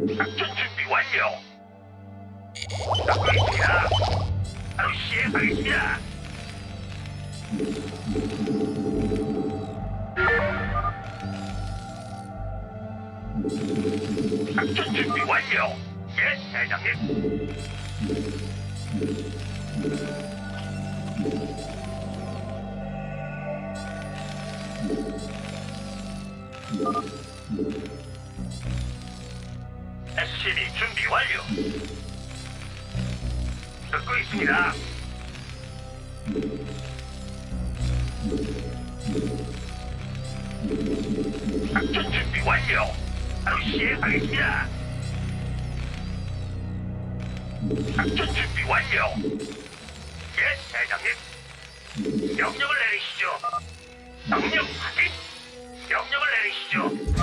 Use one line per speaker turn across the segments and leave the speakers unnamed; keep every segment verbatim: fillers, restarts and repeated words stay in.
작전 준비 완료. 듣고 있습니다. 바로 시행하겠습니다. 작전 준비 완료. 예, 대장님. 에스씨비 준비 완료. 듣고 있습니다. 작전 준비 완료. 바로 시행하겠습니다. 작전 준비 완료. 예, 대장님. 명령을 내리시죠. 명령 확인. 명령을 내리시죠.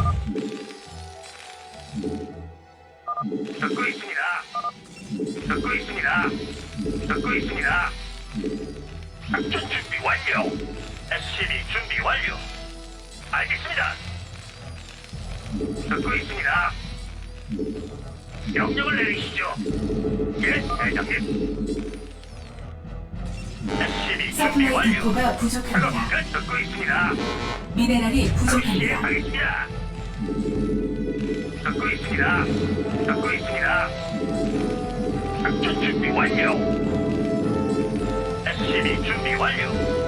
듣고 있습니다. 듣고 있습니다. 듣고 있습니다. 작전 준비 완료. 에스씨비 준비 완료. 알겠습니다. 듣고 있습니다. 명령을 내리시죠. 예, 대장님. 에스씨비 준비
서플라이
완료.
디포가
작업
부족합니다.
끝. 듣고 있습니다.
미네랄이 부족합니다.
시행하겠습니다. 듣고 있습니다. 듣고 있습니다. 작전 준비 완료. 에스씨비 준비 완료.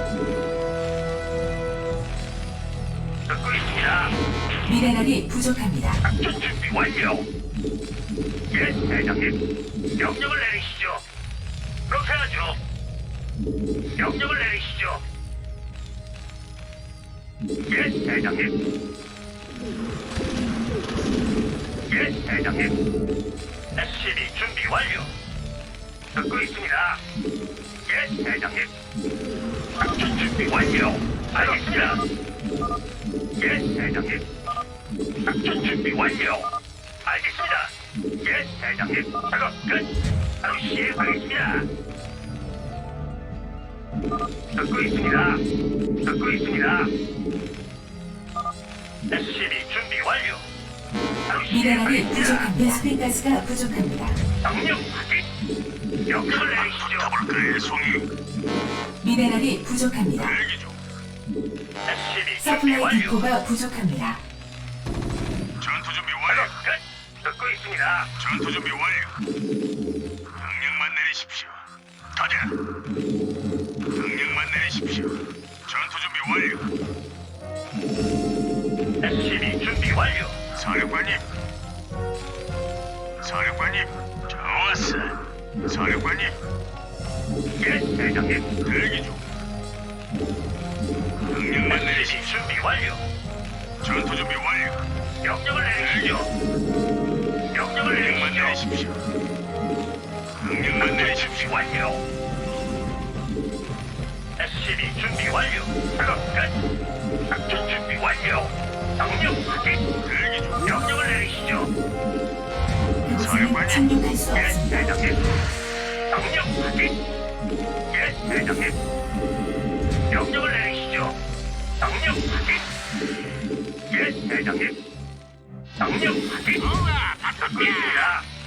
듣고 있습니다.
미네랄이 부족합니다.
작전 준비 완료. 예, 대장님. 명령을 내리시죠. 그렇게 하죠. 명령을 내리시죠. 예, 대장님. 예, 대장님. 에스씨비 준비 완료. 듣고 있습니다. 예, 대장님. 작전 준비 완료. 알겠습니다. 예, 대장님. 작전 준비 완료. 알겠습니다. 예, 대장님. 작업 끝. 바로 시행하겠습니다. 듣고 있습니다. 듣고 있습니다. 에스씨비 준비 완료. 바로
미네랄이
시행하겠습니다.
부족합니다. 베스핀 가스가 부족합니다.
명령 확인. 명령을 내리시죠.
더블클의 송이
미네랄이 부족합니다.
대기 중.
에스씨비 준비
서플라이
완료.
디포가 부족합니다.
전투 준비
작업
완료.
끝. 듣고 있습니다.
전투 준비 완료. 명령만 내리십시오. 가자. 명령만 내리십시오. 전투 준비 완료.
에스씨비 준비 완료.
사령관님. 사령관님. 좋았어. 사령관님.
예, 대장님.
대기 중. 명령만
에스씨비
내리십시오.
준비 완료.
전투 준비 완료.
명령을 내리시죠. 명령을
명령만
내리시죠.
내리십시오. 명령만
준비
내리십시오.
완료. 에스씨비 준비 완료. 작업 끝. 작전 준비 완료. 명령 확인.
대기 중.
명령을 내리시죠.
그곳에는 착륙할 수
예,
없습니다.
대장님. 명령 확인. 예, 대장님. 명령을 내리시죠. 명령 확인. 예, 대장님. 명령 확인. 듣고 있습니다.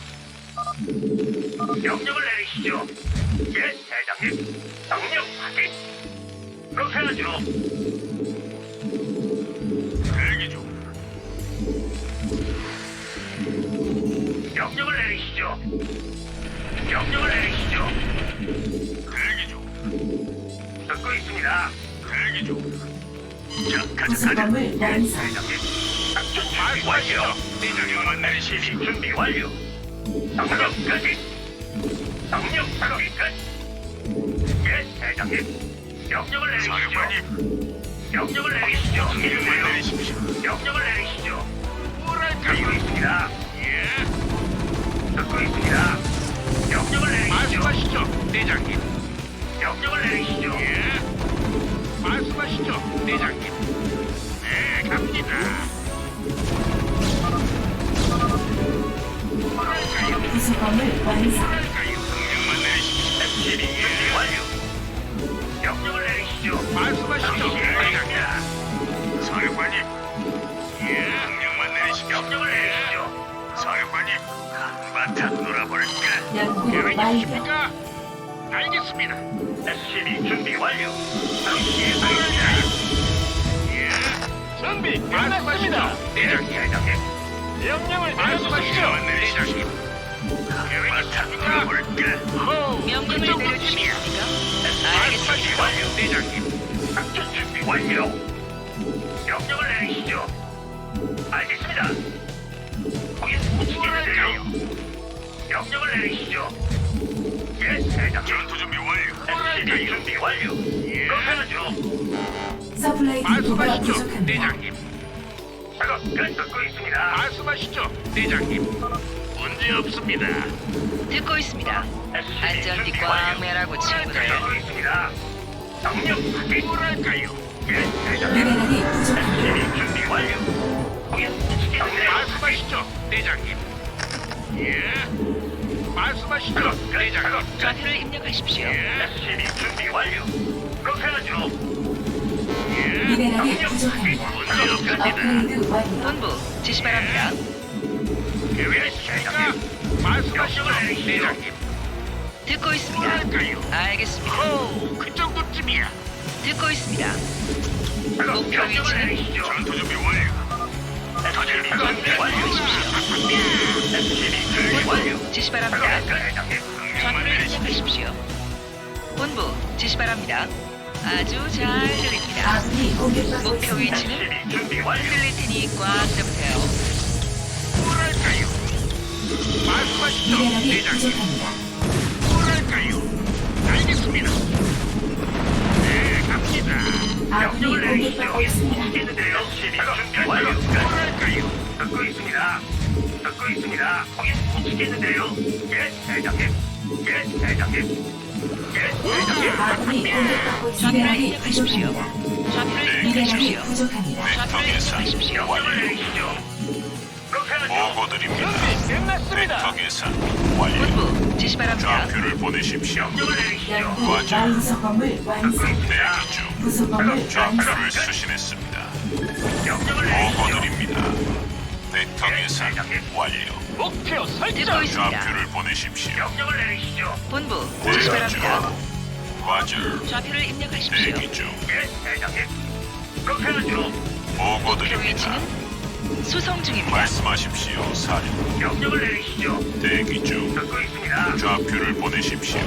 명령을 내리시죠. 예, 대장님. 명령 확인. 그렇게 하죠.
대기 중.
명령을 내리시죠. 명령을 내리시죠.
대기 중.
듣고 있습니다.
대기 중. 자, 가자, 가자.
구성범을 완성.
대장님. 작전 준비 완료.
명령만 내리십시오.
시비 준비 완료. 명령 끝. 명령 작업이 끝. 예, 대장님. 명령을 내리시죠.
사령관님.
명령을 내리시죠.
명령만 내리십시오.
명령을 내리시죠.
뭐랄까요?
듣고 있습니다.
예.
듣고 있습니다. 명령을 내리시죠.
말씀하시죠, 대장님.
명령을 내리시죠.
예. 말씀하시죠, 대장님. 네, 갑니다. 뭐랄까요?
구성범을 완성.
뭐랄까요? 명령만 내리십시오.
에스씨비 준비 완료. 명령을 내리시죠.
말씀하시죠, 대장님.
시행하겠습니다.
사령관님. 예. 명령만 내리십시오.
명령을 내리시죠.
사령관님, 한바탕 놀아볼까?
연구
계획
완료.
있으십니까? 알겠습니다.
에스씨비 준비 완료. 바로 시행하겠습니다.
예.
준비
말씀하시죠,
끝났습니다.
대장님.
대장님.
명령을
말씀하시죠,
내려주십시오.
대장님. 계획 있으십니까?
놀아볼까?
호우,
명령을
그 정도쯤이야.
내려주시겠습니까?
말씀하시죠,
알겠습니다.
대장님. 작전 준비 완료. 명령을 내리시죠. 알겠습니다. 거긴 못치겠는데요. 명령을 내리시죠. 예, 대장님.
전투 준비 완료.
에스씨비 준비 완료. 그렇게 하죠.
서플라이 디포가
말씀하시죠,
부족합니다.
대장님.
작업 끝 듣고 있습니다.
말씀하시죠, 대장님. 문제 없습니다.
듣고 있습니다. 안전띠 꽉 매라고 친구들.
듣고 있습니다. 정력 확인.
뭐랄까요?
예, 대장님.
미네랄이 부족합니다.
에스씨비 준비 완료. 거긴 못치겠는데요.
말씀하시죠, 대장님. 예. 말씀하시죠, 대장님.
좌표를 입력하십시오.
예.
에스씨비 준비 완료. 그렇게 하죠.
예.
미네랄이 부족합니다.
문제 없습니다.
업그레이드 완료.
본부 지시 바랍니다.
계획 있으십니까? 말씀하시죠, 대장님.
듣고 있습니다.
뭐랄까요?
알겠습니다.
호우, 그 정도쯤이야.
듣고 있습니다. 목표
명령을
위치는
내리시죠.
전투 준비 완료.
에스씨비 준비 완료. 에스씨비 준비 완료.
지시 바랍니다.
대장님.
좌표를 입력하십시오. 본부 지시 바랍니다. 아주 잘 들립니다.
아군이 공격받고
목표
있습니다.
위치는
에스씨비 준비 완료.
흔들릴 테니 꽉 잡으세요.
뭐랄까요? 말씀하시죠,
미네랄이
대장님.
부족합니다.
뭐랄까요? 알겠습니다. 네, 갑니다.
아군이
명령을 내리시죠.
공격받고 있습니다.
있겠는데요. 에스씨비 준비 완료.
뭐랄까요?
듣고 있습니다. 듣고 있습니다. 거긴 못치겠는데요. 예, 대장님. 예, 대장님. 예, 대장님.
아군이 공격받고 있습니다.
좌표를
미네랄이
입력하십시오.
부족합니다.
좌표를
미네랄이
입력하십시오.
부족합니다.
좌표를 입력하십시오.
명령을 내리시죠. 그렇게 하죠.
보고드립니다.
준비 끝났습니다.
벡터 계산 완료.
본부 지시 바랍니다.
좌표를 보내십시오.
명령을 내리시죠.
연구
맞아.
완성 건물 완성.
대기 중.
부속 건물 완성.
좌표를 수신했습니다.
명령을 내리시죠.
보고드립니다. 벡터 계산 완료.
목표
듣고
설정.
있습니다.
좌표를 보내십시오.
명령을 내리시죠.
본부 지시
대기 중.
바랍니다.
과절
좌표를 입력하십시오.
대기 중.
예, 대장님. 그렇게 하죠.
목표
보고드립니다.
위치는 수송 중입니다.
말씀하십시오. 사령.
명령을 내리시죠.
대기 중.
듣고 있습니다.
좌표를 보내십시오.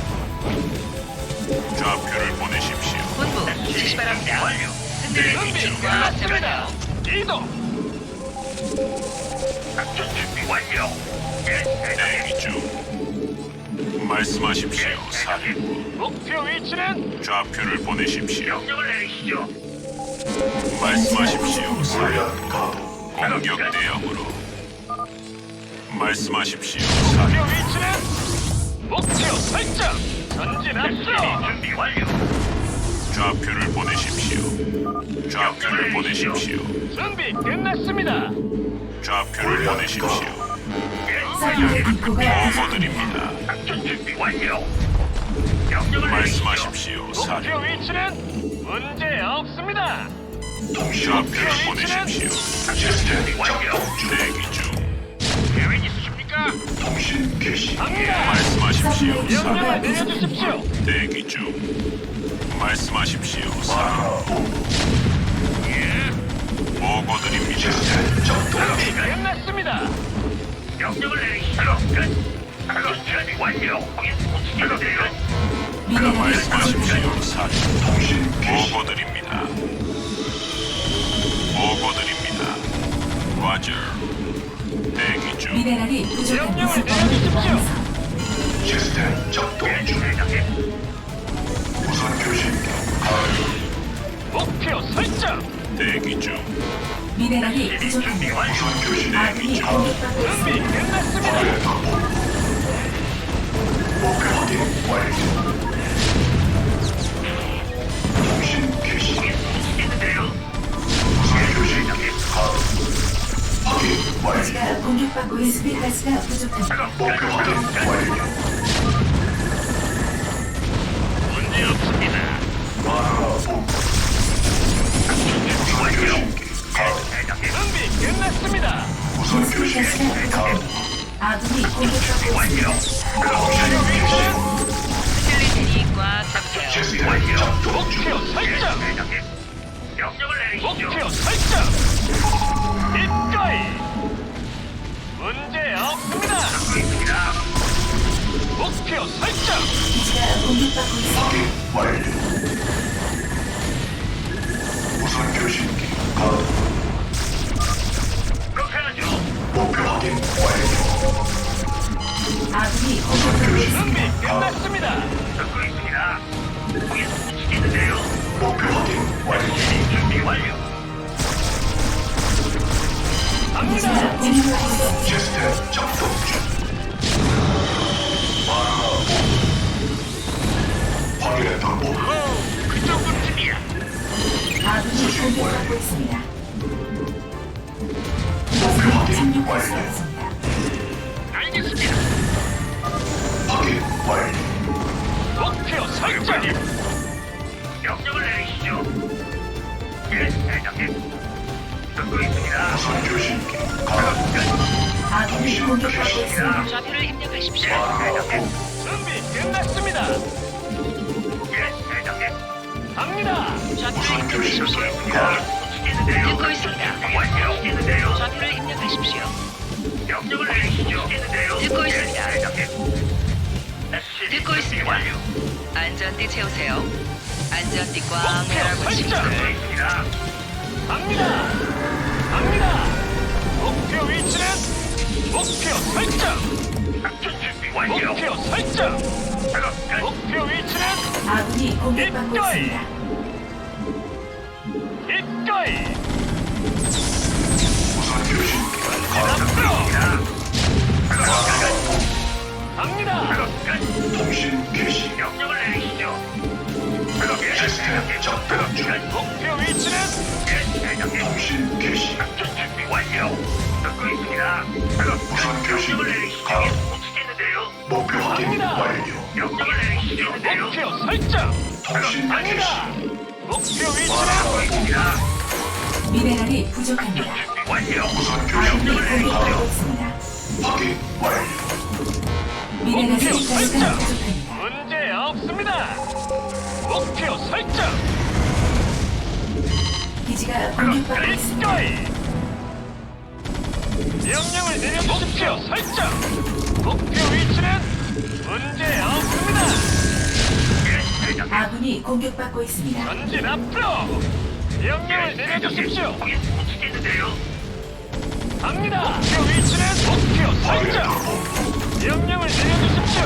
좌표를 보내십시오.
본부 지시 바랍니다.
완료.
흔들릴
준비
테니 꽉
끝났습니다.
잡으세요.
이동.
작전 준비 완료. 예, 대장님.
대기 중. 말씀하십시오. 사령.
목표 위치는
좌표를 보내십시오.
명령을 내리시죠.
말씀하십시오. 사령. 공격 대응으로. 말씀하십시오.
목표
사령.
위치는 목표 설정. 전진
에스씨비
앞서.
준비 완료.
좌표를 보내십시오. 좌표를 보내십시오.
준비 끝났습니다.
좌표를 보내십시오.
예,
서플라이
대장님.
디포가
보고드립니다.
작전 준비 완료. 명령을 내리시죠.
말씀하십시오.
목표
사령.
위치는 문제 없습니다.
좌표를 보내십시오.
작전 준비 완료.
대기 중.
계획 있으십니까?
갑니다.
말씀하십시오.
서플라이 디포가
사령.
명령을 내려주십시오.
대기 중. 말씀하십시오. 사령.
예.
보고드립니다.
준비 끝났습니다.
명령을 내리시죠. 끝. 작업 준비 완료. 거긴 못치겠는데요.
미네랄이
말씀하십시오. 사령. 보고드립니다. 보고드립니다. 과절. 대기 중.
미네랄이 부족한
명령을
부속 건물
내려주십시오.
완성.
시스템 작동 중. 대장님.
목표 설정.
대기 중.
미네랄이
준비
부족합니다.
완료.
아군이
대기 중.
공격받고
준비
있습니다.
끝났습니다.
거긴 못치겠는데요. 대장님.
가스가 공격받고 있습니다. 가스가 부족합니다.
작업 끝.
문제 없습니다.
준비 완료. 예, 대장님.
준비 끝났습니다. 무선
베스핀
교신
가스가 부족합니다. 아군이 공격받고 있습니다.
흔들릴 테니 꽉 잡으세요.
시스템 작동 중.
목표 설정.
대장님. 명령을 내리시죠.
목표 설정. 입가이. 문제 없습니다.
듣고 있습니다.
목표 설정.
기지가 공격받고 있습니다.
확인 완료. 무선 교신기 가동.
그렇게 하죠.
목표 확인 완료.
아군이
무선
공격받고
교신기
있습니다.
준비
가동.
끝났습니다.
듣고 있습니다. 거기 붙이겠는데요.
목표 확인 완료.
준비 완료.
기지가
갑니다.
공격받고 있습니다.
시스템 작동 중. 확인했다. 목표
오, 그 정도쯤이야.
아군이 공격받고 있습니다.
목표 확인
착륙할 수
완료.
없습니다.
알겠습니다.
확인 완료.
목표 설정.
명령을 내리시죠. 예, 대장님. 듣고 있습니다.
무선 교신기 가동.
아군이 공격받고 있습니다.
좌표를 입력하십시오.
대장님.
준비 끝났습니다.
예, 대장님.
갑니다.
좌표를
무선
입력하십시오.
교신기 가동.
붙이겠는데요.
듣고 있습니다.
완료. 붙이겠는데요.
좌표를 입력하십시오.
명령을 내리시죠. 붙이겠는데요.
듣고 있습니다.
예, 대장님.
듣고 있습니다.
완료.
안전띠 채우세요. 안전띠 꽉
목표
매라붙이십시오.
설정.
듣고 있습니다.
갑니다. 갑니다. 목표 위치는 목표 설정.
작전 준비 완료.
목표 설정.
작업 끝.
목표 위치는
아군이 공격받고
입가이.
있습니다.
입가이.
무선 교신기 가동.
앞으로
작업 끝.
갑니다.
작업 끝.
통신 개시.
명령을 내리시죠. 작업 끝.
시스템 작동 중.
목표 위치는
예, 대장님.
통신 개시.
작전 준비 완료. 듣고 있습니다. 작업 끝.
무선 교신기
명령을 내리시죠.
가동.
붙이겠는데요.
목표 확인
갑니다.
완료.
명령을 내리시겠는데요.
목표 설정.
통신 개시.
갑니다. 목표 위치는
듣고 있습니다.
미네랄이 부족합니다.
준비 완료.
무선
아군이
교신기
공격받고
가동.
있습니다.
확인 완료.
미네랄이
목표
가스가
설정.
부족합니다.
문제 없습니다. 목표 설정.
기지가 공격받고 있습니다.
입가이. 명령을 내려주십시오. 목표 설정. 목표 위치는 문제 없습니다.
예, 대장님.
아군이 공격받고 있습니다.
전진 앞으로. 명령을 내려주십시오.
거기 붙이겠는데요.
갑니다. 목표 위치는 목표 설정.
확인했다.
명령을 내려주십시오.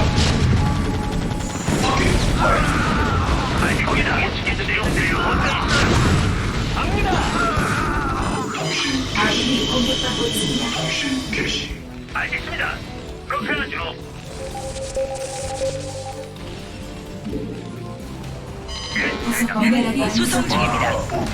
확인 완료.
아니, 거기다 붙이겠는데요.
갑니다.
통신 개시.
아군이 공격받고 있습니다.
통신 개시.
알겠습니다. 그렇게 하죠. 예,
부속 미네랄이
수송 중입니다.
마라본.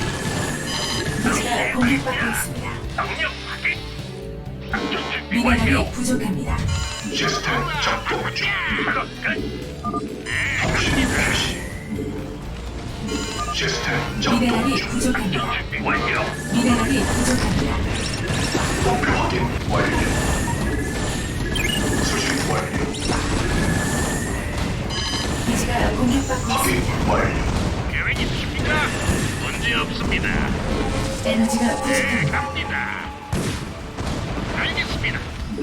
기지가 공격받고 있습니다.
명령 확인. 작전 준비 완료.
미네랄이 부족합니다.
시스템 작동 중.
작업 끝.
통신 개시. 시스템 작동
미네랄이
중.
부족합니다.
준비 완료.
미네랄이 부족합니다.
목표 확인 완료. 수신 완료.
기지가 공격받고
확인
있습니다.
완료.
계획 있으십니까? 문제 없습니다.
에너지가
네,
부족합니다.
갑니다. 알겠습니다.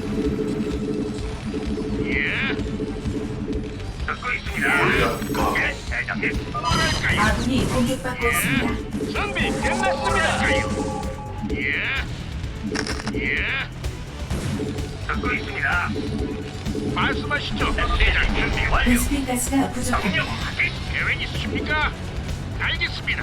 예,
듣고 있습니다.
골리앗 가동.
예, 대장님.
뭐랄까요?
아군이 공격받고 있습니다.
준비 끝났습니다. 예, 예,
듣고 있습니다.
말씀하시죠.
대장 준비 완료.
베스핀 가스가
명령
부족합니다.
확인.
계획 있으십니까? 알겠습니다.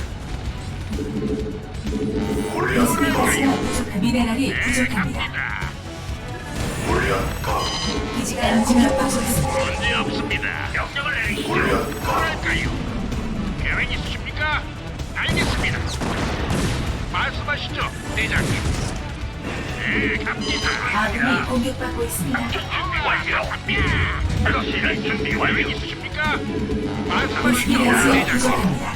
골리앗
베스핀 가스가
가동.
부족합니다. 미네랄이
네,
부족합니다.
갑니다.
골리앗 가동.
기지가 공격받고 있습니다.
문제 없습니다.
명령을 내리시죠.
골리앗 가동.
뭐랄까요? 계획 있으십니까? 알겠습니다. 말씀하시죠, 대장님. 네, 갑니다.
아군이 공격받고 있습니다.
준비 완료. 작업실은 준비 완료.
계획 있으십니까?
베스핀
말씀하시죠,
가스가
대장님.
부족합니다.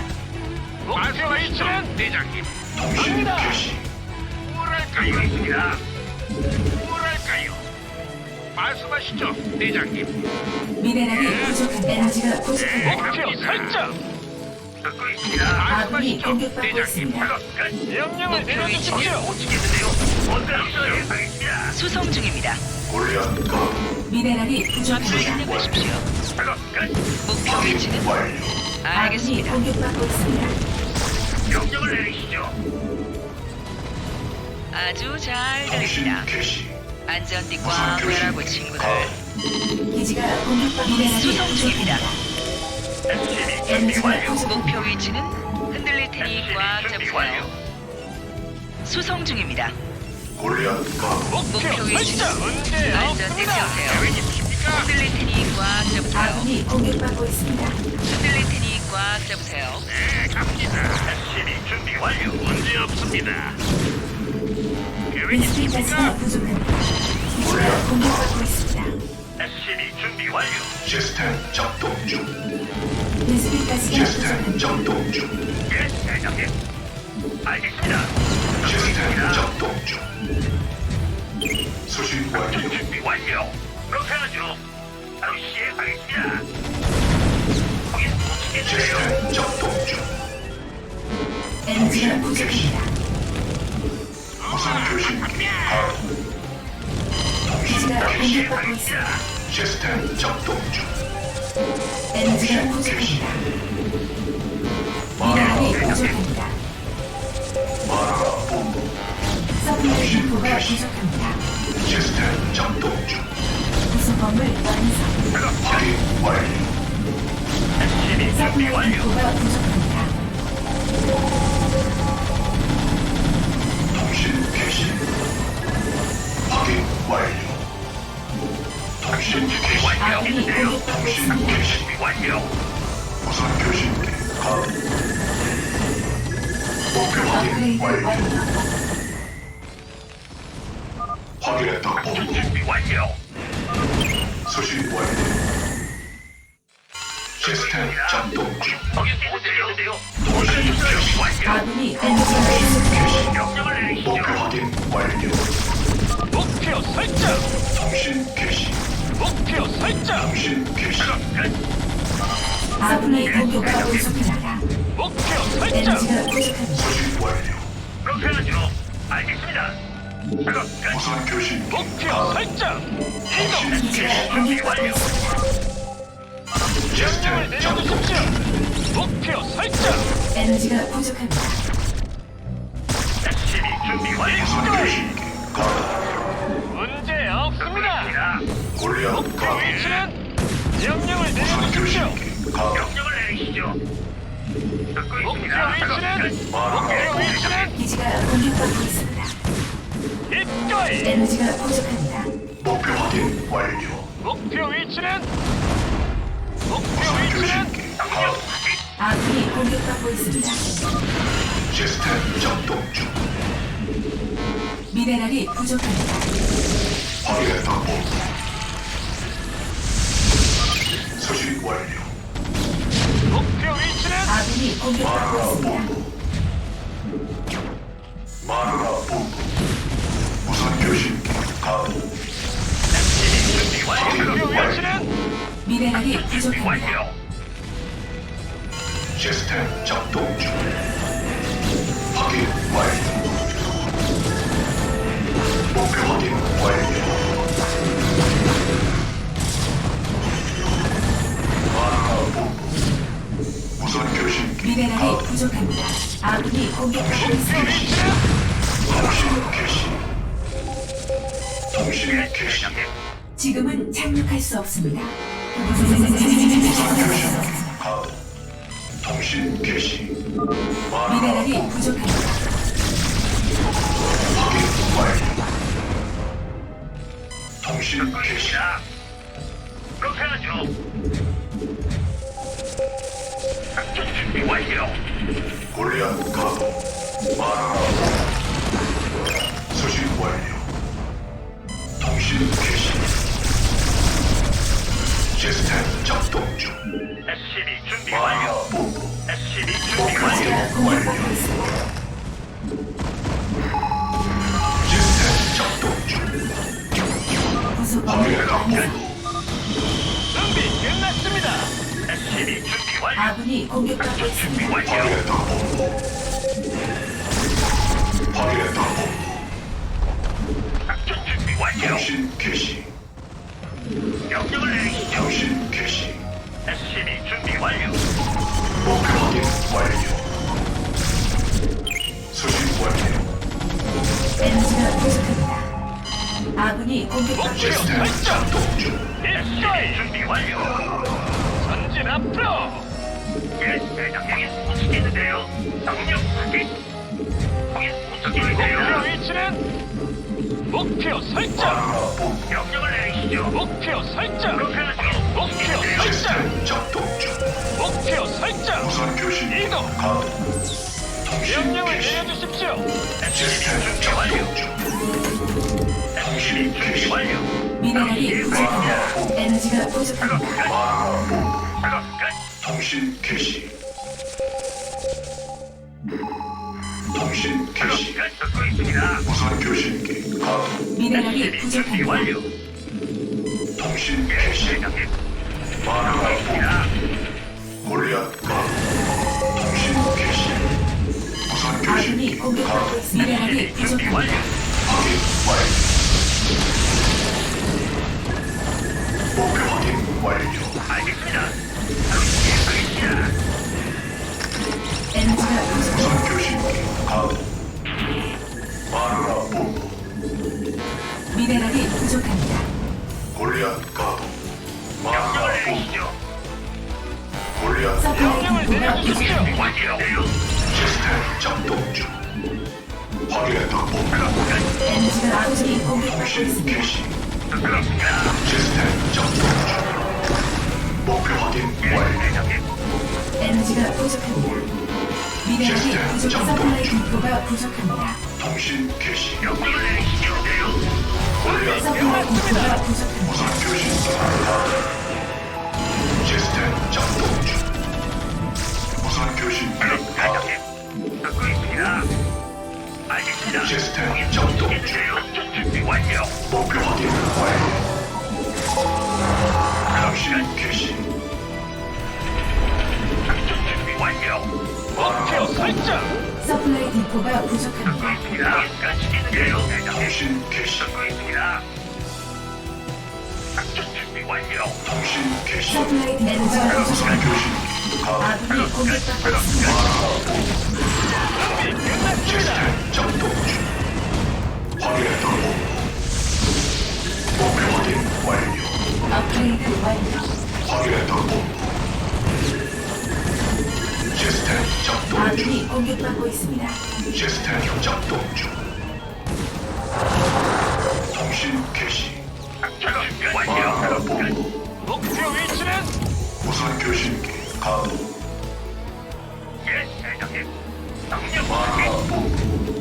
말씀하시죠, 대장님.
통신 개시.
뭐랄까요?
듣고 있습니다.
뭐랄까요? 말씀하시죠, 대장님.
미네랄이 부족합니다. 에너지가 부족합니다.
목표 설정.
듣고 있습니다.
아군이
말씀하시죠,
공격받고
대장님.
있습니다.
작업 끝.
명령을
목표
내려주십시오.
위치는
못 지겠는데요. 어떤 있어요? 알겠습니다.
수송 중입니다.
골리앗 가도
미네랄이
좌표를
부족합니다.
입력하십시오.
작업 끝.
목표 위치는
완료.
아군이
알겠습니다.
공격받고 있습니다.
명령을 내리시죠.
아주 잘
통신
들립니다.
개시.
안전띠
무선
꽉
교신
매라고 친구들.
가도
기지가 공격받고 미네랄이
수송 중입니다.
부족합니다.
에스씨비 준비
에너지가
완료.
부족합니다.
목표 위치는 흔들릴 테니 꽉 잡으세요. 수송 중입니다.
골리앗 가도
목표 위치는
문제
안전띠
없습니다.
세우세요.
계획 있으십니까?
흔들릴 테니 꽉 잡으세요.
아군이 공격받고 있습니다.
흔들릴 테니 꽉 잡으세요.
네, 갑니다.
에스씨비 준비 완료.
문제 없습니다. 계획
베스핀 가스가
있으십니까?
부족합니다. 기지가 공격받고 있습니다.
에스씨비 준비 완료.
시스템 작동 중.
베스핀 가스가
시스템
부족합니다.
작동 중.
예, 대장님. 알겠습니다. 듣고
시스템
있습니다.
작동 중. 수신 완료.
작전 준비 완료. 그렇게 하죠. 바로 시행하겠습니다. 거긴 못 지겠는데요.
시스템 작동 중.
에너지가 부족합니다.
무선 교신기 가도.
기지가
바로
공격받고
시행하겠습니다.
있습니다.
시스템 작동 중.
에너지가
통신
부족합니다.
개시.
미네랄이 부족합니다.
마라 본부.
서플라이 인포가 부족합니다.
시스템 작동 중.
구성범을 완성.
작업 끝.
확인 완료.
에스씨비 준비
서플라이
완료.
인포가 부족합니다.
통신 개시. 확인 완료. 통신 개시.
완료.
아군이
있는데요.
공격받고
통신
있습니다.
개시.
준비 완료.
무선 교신기 가도. 목표 확인
업그레이드
완료.
완료.
확인했다
작전
본부.
준비 완료.
수신 완료. 시스템 작동 중.
거긴 못 지겠는데요.
통신
준비
개시.
완료.
아군이 에너지가 부족합니다.
명령을 내리시죠.
목표 확인 완료.
목표 설정.
통신 개시.
목표 설정.
통신 개시.
작업 끝.
아군이 공격받고 있습니다.
목표 설정.
에너지가 부족합니다.
수신 완료.
그렇게 하죠. 알겠습니다. 작업 끝.
무선 교신기
목표
가도.
설정.
통신
기지가
개시.
공격받고 있습니다.
명령을
시스템 작동
내려주십시오.
중.
목표 설정.
에너지가 부족합니다.
에스씨비 준비 완료.
무선 교신기 가도.
문제 없습니다.
듣습니다.
골리앗
목표
가도.
위치는 명령을
무선
내려주십시오.
교신기 가도.
명령을 내리시죠. 듣고
목표
있습니다. 작업
위치는
끝.
목표 위치는
기지가 공격받고 있습니다.
입가에.
에너지가 부족합니다.
목표 확인 완료.
목표 위치는 목표
무선
위치는
교신기 가도.
아군이 공격받고 있습니다.
시스템 작동 중.
미네랄이 부족합니다.
확인했다 본부. 수신 완료.
목표 위치는
아군이 공격받고
마누라
있습니다.
본부. 마누라 본부. 무선 교신기 가도.
준비 완료.
목표
확인 완료.
위치는
미네랄이
준비
부족합니다.
완료.
시스템 작동 중. 확인 완료. 목표 확인 완료. 마누라 본부. 무선 교신기
미네랄이
가도.
부족합니다. 아군이 공격받고
통신
있습니다.
개시. 통신 개시. 통신 개시.
지금은 착륙할 수 없습니다.
가도. 통신 개시. 마누라
미네랄이
본부.
부족합니다.
확인 완료. 통신 개시.
자, 그렇게 하죠. 작전 준비 완료.
골리앗 가도. 마누라 본부. 수신 완료. 통신 개시. 시스템 작동 중.
에스씨비 준비
마누라
완료.
본부.
에스씨비 준비
목표
완료.
기지가
확인
공격받고
완료.
있습니다.
시스템 작동 중.
부속건물
확인했다
완성.
본부.
준비 끝났습니다.
에스씨비 준비 완료.
아군이 공격받고
준비
있습니다.
완료.
확인했다 본부. 확인했다 본부.
작전 준비 완료.
통신 개시.
명령을 내리시죠.
통신 개시.
에스씨비 준비 완료.
목표 확인 완료. 수신 완료.
에너지가 부족합니다. 아군이 공격받고
목표
있습니다.
시스템
설정.
작동 중.
입가이
준비 완료.
전진 앞으로.
예, 대장님 움직이는데요. 명령 확인. 거긴
목표
움직이는데요.
위치는 목표 설정.
명령을 내리시죠.
목표 설정.
그렇게 하죠.
목표 설정.
시스템 작동 중.
목표 설정.
무선 교신
이동.
가동. 통신
명령을
개시.
내려주십시오.
시스템
준비 완료.
작동 중.
에스씨비 준비 완료.
미네랄이 부족합니다. 에너지가
작업
부족합니다.
끝. 작업 끝.
통신 개시. 통신
작업
개시.
끝. 듣고 있습니다.
무선 교신기 가동.
미네랄이
에스씨비 준비
부족합니다.
완료.
통신
예,
개시.
대장님.
마누라 본.
있습니다.
골리앗 가동. 통신 개시. 무선
아군이
교신기
공격받고
가동.
있습니다. 미네랄이
준비 완료.
부족합니다.
확인 완료. 목표 확인 완료.
알겠습니다. 바로 시행하겠습니다.
에너지가 부족합니다.
무선 교신기 가동. 마누라 본부.
미네랄이 부족합니다.
골리앗 가동. 마누라
명령을
본부.
내리시죠.
골리앗
서플라이
명령을
디포가
내려주십시오.
부족합니다.
완료돼요.
시스템 작동 중. 확인했다 본부.
작업 끝.
에너지가 아군이 공격받고
통신
있습니다.
개시.
그렇습니다.
시스템 작동 중. 목표 확인
예,
완료.
대장님.
에너지가 부족합니다. 미네랄이 부족. 서플라이 디포가 부족합니다.
통신 개시.
명령을 내리시죠.
골리앗
서플라이 디포가 부족합니다.
무선 교신기 가동. 시스템 작동 중. 무선 교신기
작업
가동.
대장님. 듣고 있습니다. 알겠습니다.
시스템 작동 중.
작전 준비 완료.
목표 확인 완료. 통신 개시.
작전 준비 완료.
목표 설정.
서플라이 디포가
듣고
부족합니다.
있습니다. 가시겠는데요, 대장님.
통신 개시.
듣고 있습니다. 작전 준비 완료.
통신 개시.
서플라이 에너지가
무선
부족합니다.
교신기 가동.
아군이 공격받고 있습니다.
준비 끝났습니다.
시스템 작동 중. 확인했다 본부. 목표 확인 완료.
업그레이드 완료.
확인했다 본부. 시스템 작동 중.
아군이 공격받고 있습니다.
시스템 작동 중. 통신 개시.
작전 준비 완료.
마누라 본부.
목표 위치는
무선 교신기 가동.
예, 대장님. 명령
마누라
확인.
본부.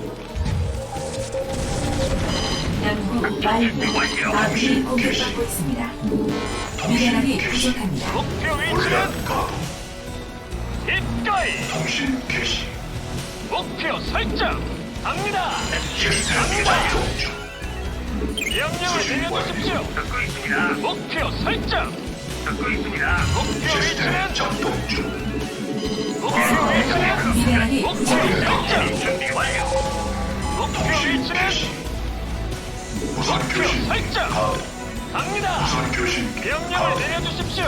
연구
준비
완료.
완료.
아군이 공격받고 있습니다. 미네랄이 부족합니다.
목표 위치는
골리앗 가동.
입가이
통신 개시.
목표 설정. 갑니다.
시스템
갑니다.
작동 중.
명령을 내려주십시오.
듣고 있습니다.
목표 설정.
듣고 있습니다.
목표
시스템
위치는
작동 중.
목표 위치는
미네랄이
목표
부족합니다.
설정.
준비 완료.
목표
통신
위치는
개시. 무선
목표
교신기
설정.
가동.
갑니다.
무선 교신기
명령을
가동.
내려주십시오.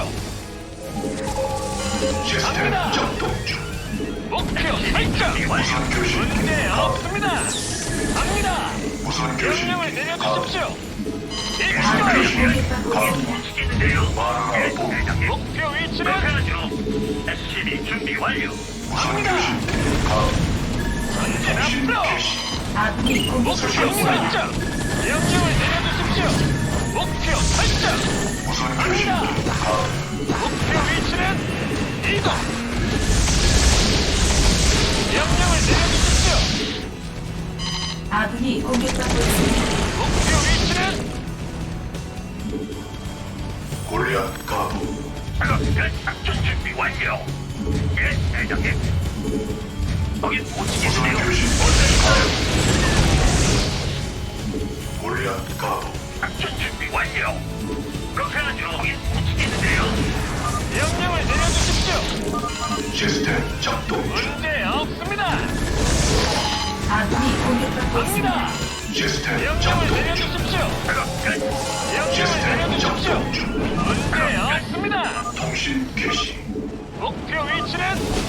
시스템
갑니다.
작동 중.
목표 설정.
무선 교신기
문제
가동.
없습니다. 갑니다.
무선
명령을
교신기 가동.
내려주십시오.
아군이
입가이
공격받고
가동.
있습니다.
시키는데요.
마누라
예,
본부.
대장님.
목표 위치는
그렇게하죠. 에스씨비 준비 완료.
무선 교신기 가동.
전진
통신
앞으로.
개시.
아군이
목표
공격받고 있습니다.
설정. 명령을 내려주십시오. 목표 설정.
무선 교신기 가동.
목표 위치는 이동. 명령을 내려주십시오.
아군이 공격받고 있습니다.
목표 위치는
골리앗 가동.
작업 끝. 작전 준비 완료. 예, 대장님. 거긴 못
무선
치겠는데요.
교신기 가동. 골리앗 가동.
작전 준비 완료.
시스템 작동 중.
문제 없습니다.
아군이 공격받고 있습니다.
갑니다.
시스템
명령을
작동 중.
내려주십시오.
작업 끝.
명령을
시스템
내려주십시오.
작동 중.
문제 없습니다.
통신 개시.
목표 위치는